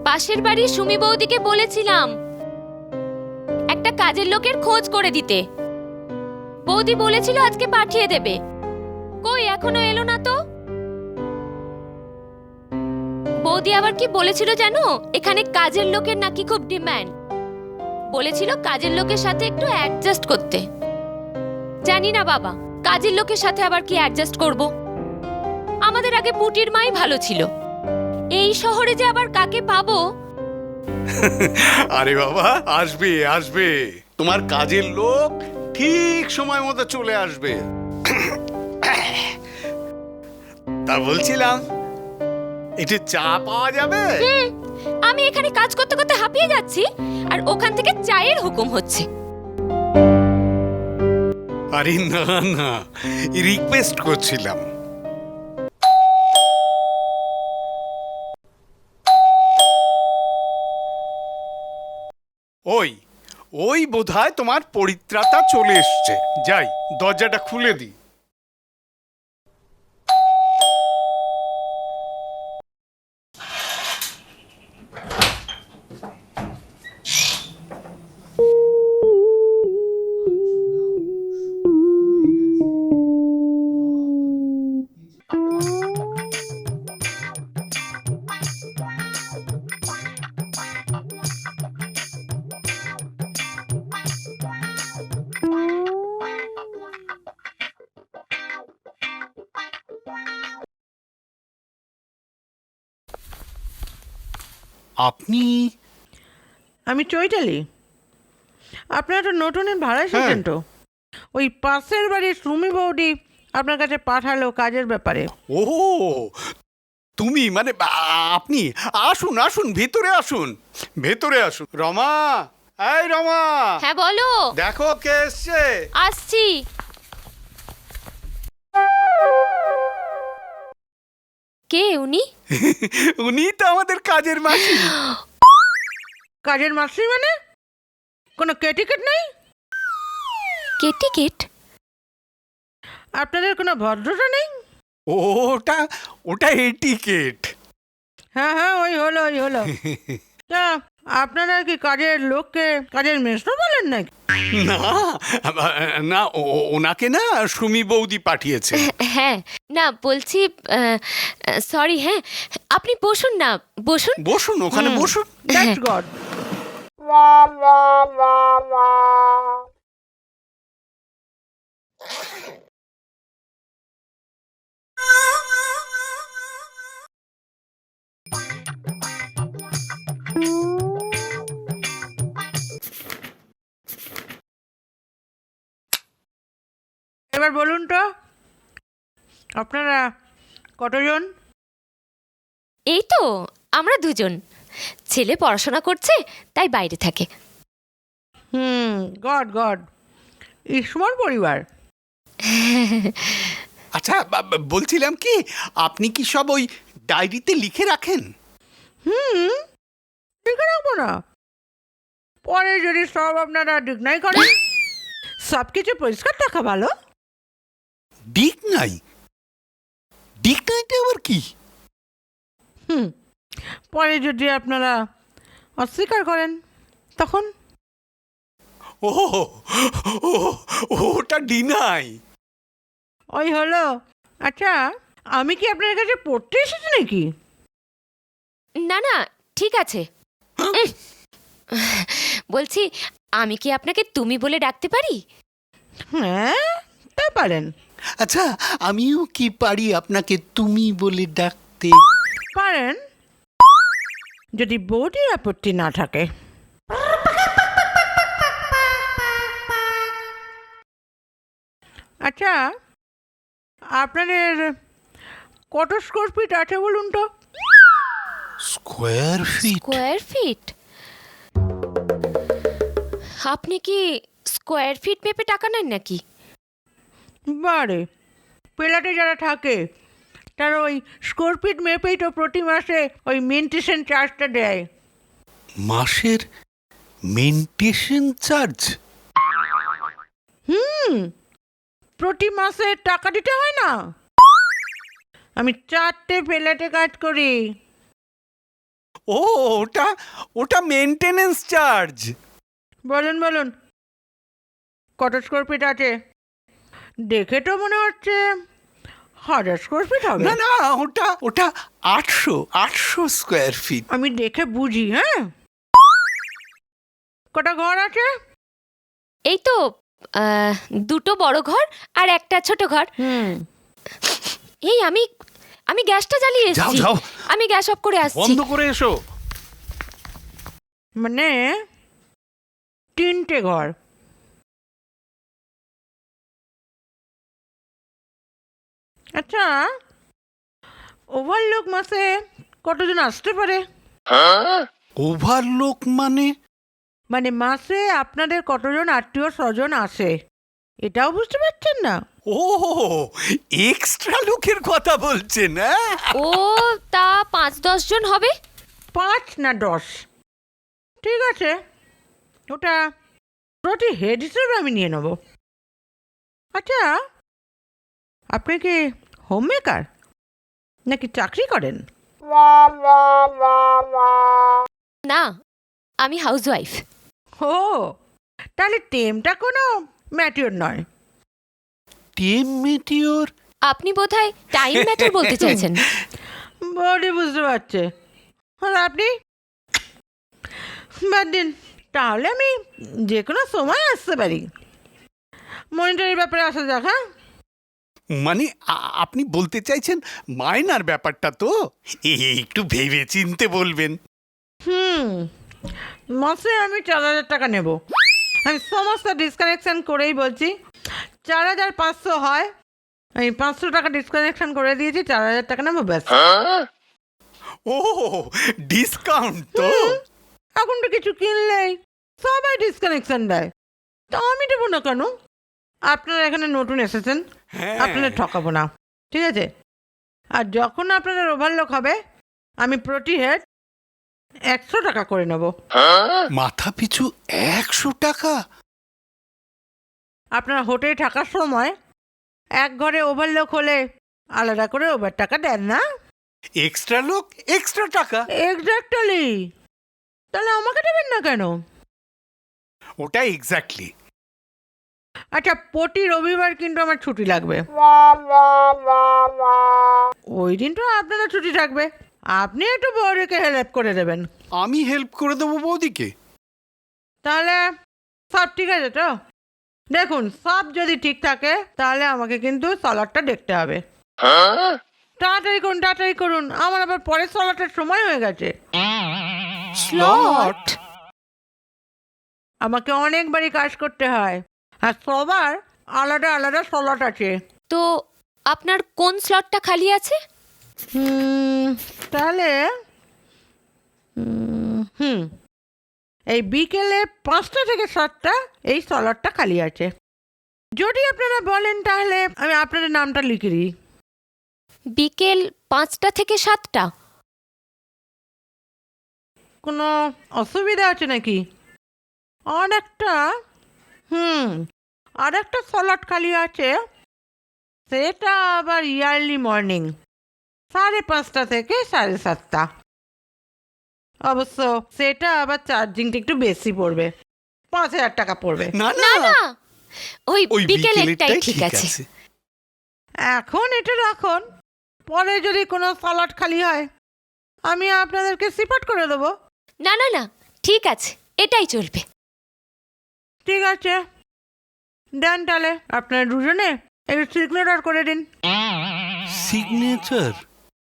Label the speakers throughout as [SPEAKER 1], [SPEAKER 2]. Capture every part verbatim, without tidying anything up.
[SPEAKER 1] পাশের বাড়ির সুমি বৌদিকে বলেছিলাম একটা কাজের লোকের খোঁজ করে দিতে। বৌদি বলেছিল আজকে পাঠিয়ে দেবে। কই এখনো এলো না তো। বৌদি আবার কি বলেছিল জানো, এখানে কাজের লোকের নাকি খুব ডিমান্ড। বলেছিল কাজের লোকের সাথে একটু অ্যাডজাস্ট করতে। জানি না বাবা, কাজের লোকের সাথে আবার কি অ্যাডজাস্ট করব। আমাদের আগে পুটির মাই ভালো ছিল। এই শহরে যে আবার কাকে পাবো।
[SPEAKER 2] আরে বাবা, আসবে আসবে, তোমার কাজের লোক ঠিক সময় মতো চলে আসবে। তা বলছিলাম একটু চা পাওয়া যাবে?
[SPEAKER 1] আমি এখানে কাজ করতে করতে হাঁপিয়ে যাচ্ছি, আর ওখান থেকে চায়ের হুকুম হচ্ছে।
[SPEAKER 2] আরে না না, রিকোয়েস্ট করছিলাম। ওই ওই বোধহয় তোমার পরিত্রাতা চলে এসছে। যাই, দরজাটা খুলে দিই। আপনি?
[SPEAKER 3] আমি চৈতালি। আপনারা তো নতুনের ভাড়া এসেছেন তো। ওই পাশের বাড়ির সুমি বৌদি আপনার কাছে পাঠালো কাজের ব্যাপারে।
[SPEAKER 2] ও তুমি, মানে আপনি আসুন আসুন, ভেতরে আসুন, ভেতরে আসুন। রমা, এই রমা।
[SPEAKER 1] হ্যাঁ বলো।
[SPEAKER 2] দেখো কে এসছে।
[SPEAKER 1] আসছি। কে উনি?
[SPEAKER 2] উনি তো আমাদের কাজের মাসি।
[SPEAKER 3] কাজের মাসি মানে? কোনো কেটিকেট নেই?
[SPEAKER 1] কেটিকেট?
[SPEAKER 3] আপনাদের কোনো ভদ্রতা নেই?
[SPEAKER 2] ওটা ওটা এটিকেট।
[SPEAKER 3] হ্যাঁ হ্যাঁ, ওই হলো ওই হলো। তা আপনারা কি কাজের লোককে কাজের মেশো বলেন নাকি?
[SPEAKER 2] না না, ওনাকে না সুমি বৌদি পাঠিয়েছে।
[SPEAKER 1] হ্যাঁ, না বলছি সরি। হ্যাঁ, আপনি বসুন না, বসুন
[SPEAKER 2] বসুন, ওখানে বসুন।
[SPEAKER 3] That's God. এবার বলুন তো, আপনারা কতজন?
[SPEAKER 1] এই তো আমরা দুজন। ছেলে পড়াশোনা করছে, তাই বাইরে থাকে।
[SPEAKER 3] হুম, গড গড, ইসমর পরিবার।
[SPEAKER 2] আচ্ছা, বলছিলাম কি, আপনি কি সব ওই ডায়েরিতে লিখে রাখেন?
[SPEAKER 3] হুম, লিখে রাখবো না? পরে যদি সব আপনারা ডিগনাই করেন। সব কিছু পরিষ্কার রাখা ভালো।
[SPEAKER 2] ডিক নাই? ডিক নাইটা আবার কি?
[SPEAKER 3] হুম, পরে যদি আপনারা অস্বীকার করেন তখন?
[SPEAKER 2] ও ওটা ডিনাই।
[SPEAKER 3] ওই হলো। আচ্ছা, আমি কি আপনার কাছে পড়তে এসেছি নাকি?
[SPEAKER 1] না না, ঠিক আছে। বলছি, আমি কি আপনাকে তুমি বলে ডাকতে পারি?
[SPEAKER 3] হ্যাঁ, তা পারেন।
[SPEAKER 2] আচ্ছা, আমিও কি পারি আপনাকে তুমি বলে ডাকতে?
[SPEAKER 3] পারেন, যদি বৌদির আপত্তি না থাকে। আচ্ছা, আপনাদের কত স্কোয়ার ফিট আছে বলুন তো?
[SPEAKER 2] Square feet?
[SPEAKER 1] Square feet? আপনি কি স্কোয়ার ফিট মেপে টাকা নেন নাকি?
[SPEAKER 3] বারে, পেলাটে যারা থাকে তারা ওই স্কোয়ার ফিট মেপেই তো প্রতি মাসে ওই মেনটেশন চার্জটা দেয়।
[SPEAKER 2] মাসের মেনটেশন চার্জ?
[SPEAKER 3] হুম, প্রতি মাসে টাকা দিতে হয় না? আমি চারটে পেলেটে কাজ করি।
[SPEAKER 2] ও ওটা ওটা মেনটেনেন্স চার্জ।
[SPEAKER 3] বলুন বলুন, কত স্কোয়ার ফিট আছে? দেখে তো মনে হচ্ছে হাজার স্কোয়ার ফিট হবে।
[SPEAKER 2] না না, ওটা ওটা আটশো আটশো স্কোয়ার ফিট।
[SPEAKER 3] আমি দেখে বুঝি। হ্যাঁ, কটা ঘর আছে?
[SPEAKER 1] এই তো আহ, দুটো বড় ঘর আর একটা ছোট ঘর।
[SPEAKER 3] হুম,
[SPEAKER 1] এই আমি আমি গ্যাসটা জ্বালিয়ে
[SPEAKER 2] যাও
[SPEAKER 1] এসেছি।
[SPEAKER 2] যাও,
[SPEAKER 1] আমি গ্যাস অফ করে আসছি।
[SPEAKER 2] বন্ধ করে এসো।
[SPEAKER 3] মানে তিনটে ঘর। আচ্ছা, ওভারলোক মাসে কতজন আসতে পারে?
[SPEAKER 2] ওভারলোক মানে?
[SPEAKER 3] মানে মাসে আপনাদের কতজন আত্মীয় স্বজন আসে, এটাও বুঝতে পারছেন না?
[SPEAKER 2] ও এক্সট্রা লোকের কথা বলছেন? হ্যাঁ,
[SPEAKER 1] ও তা পাঁচ দশ জন হবে।
[SPEAKER 3] পাঁচ না দশ? ঠিক আছে, ওটা প্রতি হেড হিসেবে আমি নিয়ে নেব। আচ্ছা, আপনি কি হোম মেকার নাকি চাকরি করেন?
[SPEAKER 1] না, আমি হাউসওয়াইফ।
[SPEAKER 3] ও, তাহলে টেমটা কোনো ম্যাটিওর নয়।
[SPEAKER 2] Time matter?
[SPEAKER 1] আপনি বোধহয় টাইম ম্যাটার বলতে চাইছেন।
[SPEAKER 3] বডি বুঝতে পারছে। আর আপনি? বাদ দিন, তাহলে আমি যে কোনো সময় আসতে পারি। মনিটরের ব্যাপারে আসা যাক। হ্যাঁ,
[SPEAKER 2] মানে আ- আপনি বলতে চাইছেন মাইনার ব্যাপারটা তো, এ- একটু ভেবে চিনতে বলবেন।
[SPEAKER 3] হুম, মাসে আমি চার হাজার টাকা নেব। আমি সমস্ত ডিসকানেকশন করেই বলছি, চার হাজার পাঁচশো হয়। আমি পাঁচশো টাকা ডিসকানেকশন করে দিয়েছি, চার হাজার টাকা নেবো ব্যাস।
[SPEAKER 2] ও ডিসকাউন্ট তো?
[SPEAKER 3] এখন তো কিছু কিনলেই সবাই ডিসকানেকশন দেয়, তা আমি দেবো না কেন? আপনারা এখানে নতুন এসেছেন,
[SPEAKER 2] হ্যাঁ।
[SPEAKER 3] আপনাদের ঠকাবো না, ঠিক আছে? আর যখন আপনাদের ওভারলোক হবে, আমি প্রতি হেড একশো টাকা করে নেব।
[SPEAKER 2] মাথা পিছু একশো টাকা?
[SPEAKER 3] আপনারা হোটেলে থাকার সময় এক ঘরে ওভারলোক হলে আলাদা করে ওভার টাকা দেন না?
[SPEAKER 2] এক্সট্রা লোক এক্সট্রা টাকা?
[SPEAKER 3] এক্স্যাক্টলি। তাহলে আমাকে দেবেন না কেন?
[SPEAKER 2] ওটা এক্স্যাক্টলি।
[SPEAKER 3] আচ্ছা, প্রতি রবিবার কিন্তু আমার ছুটি লাগবে। ওই দিন তো আপনাদের ছুটি থাকবে, আপনি একটু বউদিকে হেল্প করে দেবেন।
[SPEAKER 2] আমি হেল্প করে দেবো বৌদিকে?
[SPEAKER 3] তাহলে সব ঠিক আছে তো? দেখুন, সব যদি ঠিক থাকে তাহলে আমাকে কিন্তু সলাডটা দেখতে হবে। তাড়াতাড়ি করুন, তাড়াতাড়ি করুন, আমার আবার পরের সলাটের সময় হয়ে গেছে।
[SPEAKER 2] স্লট?
[SPEAKER 3] আমাকে অনেকবারই কাজ করতে হয়, আর সবার আলাদা আলাদা সলাট আছে।
[SPEAKER 1] তো আপনার কোন স্লটটা খালি আছে?
[SPEAKER 3] হুম, তাহলে হুম, হুম এই বিকেলে পাঁচটা থেকে সাতটা এই সলাটটা খালি আছে। যদি আপনারা বলেন তাহলে আমি আপনাদের নামটা লিখে দিই।
[SPEAKER 1] বিকেল পাঁচটা থেকে সাতটা?
[SPEAKER 3] কোনো অসুবিধা আছে নাকি? আর একটা হুম আর একটা সলাট খালি আছে, সেটা আবার ইয়ারলি মর্নিং সাড়ে পাঁচটা থেকে সাড়ে সাতটা। অবশ্য সেটা আবার চার্জিংটা একটু বেশি পড়বে, পাঁচ হাজার টাকা পড়বে।
[SPEAKER 2] না
[SPEAKER 1] না
[SPEAKER 2] না,
[SPEAKER 1] না, ওই
[SPEAKER 2] ওই
[SPEAKER 1] বিকেলেরটাই
[SPEAKER 2] বিকেলেরটাই
[SPEAKER 1] ঠিক আছে।
[SPEAKER 3] এখন এটা রাখুন, পরে যদি কোনো সলাট খালি হয় আমি আপনাদেরকে সিপাট করে দেবো।
[SPEAKER 1] না না না, ঠিক আছে, এটাই চলবে।
[SPEAKER 3] ঠিক আছে, দেন তাহলে আপনারা দুজনে একটু সিগনেচার করে দিন।
[SPEAKER 2] সিগনেচার?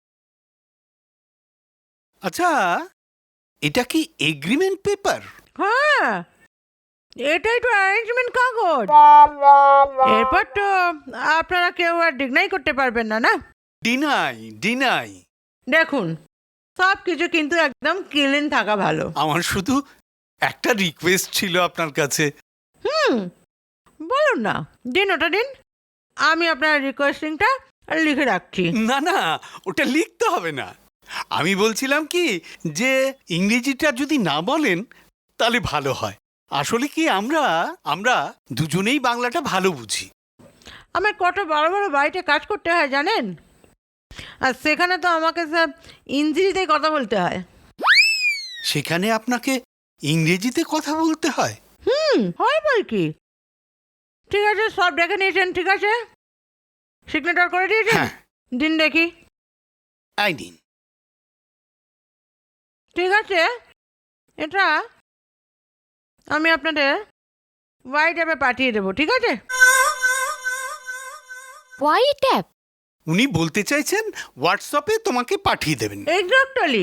[SPEAKER 2] আচ্ছা, এটা কি এগ্রিমেন্ট পেপার?
[SPEAKER 3] হ্যাঁ, এটাই তো অ্যারেঞ্জমেন্ট কাগজ। এরপর তো আপনারা কেউ আর ডিগনাই করতে পারবেন না, না?
[SPEAKER 2] Deny deny.
[SPEAKER 3] দেখুন, সব কিছু কিন্তু একদম ক্লিন থাকা ভালো।
[SPEAKER 2] আমার শুধু একটা রিকোয়েস্ট ছিল আপনার কাছে।
[SPEAKER 3] হুম, বলুন না, দিন ওটা দিন, আমি আপনার রিকোয়েস্টিংটা লিখে রাখছি।
[SPEAKER 2] না না, ওটা লিখতে হবে না। আমি বলছিলাম কি, যে ইংরেজিটা যদি না বলেন তাহলে ভালো হয়। আসলে কি, আমরা আমরা দুজনেই বাংলাটা ভালো বুঝি।
[SPEAKER 3] আমার কত বড় বড় বাড়িতে কাজ করতে হয় জানেন, আর সেখানে তো আমাকে সব ইংরেজিতেই কথা বলতে হয়।
[SPEAKER 2] সেখানে আপনাকে ইংরেজিতে কথা বলতে হয়?
[SPEAKER 3] হুম হয় বল কি। ঠিক আছে, সব ডেকে নিয়েছেন, ঠিক আছে, সিগনেচার করে দিয়েছেন।
[SPEAKER 2] হ্যাঁ।
[SPEAKER 3] দিন দেখি।
[SPEAKER 2] আই নিন।
[SPEAKER 3] ঠিক আছে, এটা আমি আপনাদের হোয়াইট অ্যাপে পাঠিয়ে দেবো, ঠিক আছে?
[SPEAKER 1] WhatsApp?
[SPEAKER 2] উনি বলতে চাইছেন হোয়াটসঅ্যাপে তোমাকে পাঠিয়ে দেবেন।
[SPEAKER 3] এক্স্যাক্টলি।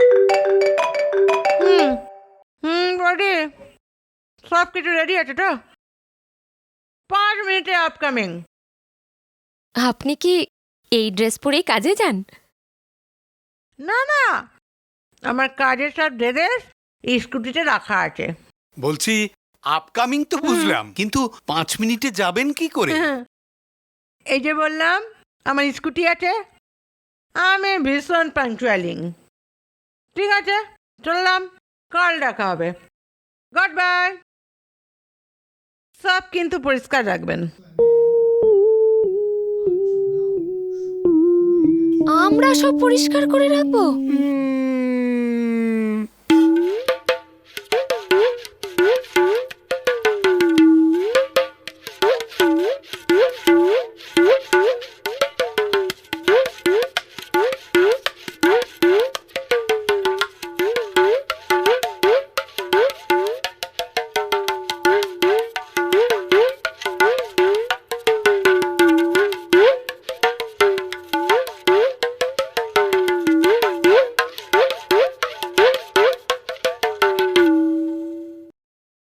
[SPEAKER 3] হুম হুম রেডি, সব কিছু রেডি আছে তো? পাঁচ মিনিটে আপকামিং।
[SPEAKER 1] আপনি কি এই ড্রেস পরেই কাজে যান?
[SPEAKER 3] না না, আমার কাজের সব ড্রেস স্কুটিতে রাখা আছে।
[SPEAKER 2] বলছি আপকামিং তো বুঝলাম, কিন্তু পাঁচ মিনিটে যাবেন কি করে?
[SPEAKER 3] এই যে বললাম আমার স্কুটি আছে, আমি ভীষণ পাংচুয়ালিং। ঠিক আছে, চললাম, কাল দেখা হবে, গুড বাই। সব কিন্তু পরিষ্কার রাখবেন।
[SPEAKER 1] আমরা সব পরিষ্কার করে রাখবো?